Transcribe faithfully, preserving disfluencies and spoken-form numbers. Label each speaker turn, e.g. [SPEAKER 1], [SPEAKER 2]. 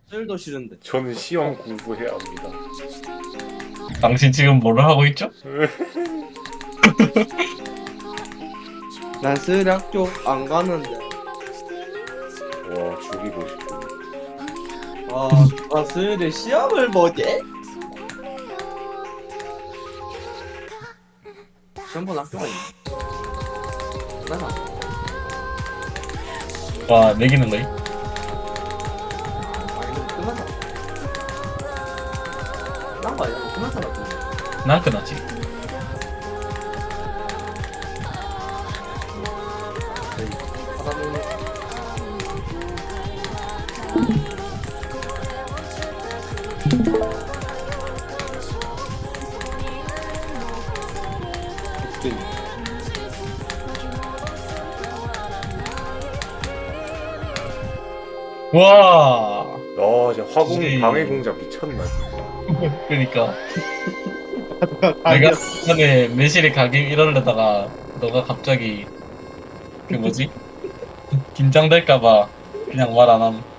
[SPEAKER 1] 셀도 싫은데.
[SPEAKER 2] 저는 시험 공부해야 합니다.
[SPEAKER 3] 당신 지금 뭐를 하고 있죠?
[SPEAKER 1] 난 스락 쪽 안 가는데.
[SPEAKER 2] 와 죽이고 싶어.
[SPEAKER 1] 아, 아 스를 시험을 뭐지? 시험 본 학교가 있네. 나가.
[SPEAKER 3] 와, 매기는 거임?
[SPEAKER 1] 아 이거 끝났다. 끝난 거 아니야? 뭐 끝났잖아. 또.
[SPEAKER 3] 난 끝났지.
[SPEAKER 1] 바다는 진
[SPEAKER 3] 와,
[SPEAKER 2] 아 진짜 화공
[SPEAKER 3] 이-
[SPEAKER 2] 방해 공작 미쳤나 진짜.
[SPEAKER 3] 그러니까 내가 전에 매실이 가게 이러려다가 너가 갑자기 그 뭐지? 긴장될까봐 그냥 말 안 함.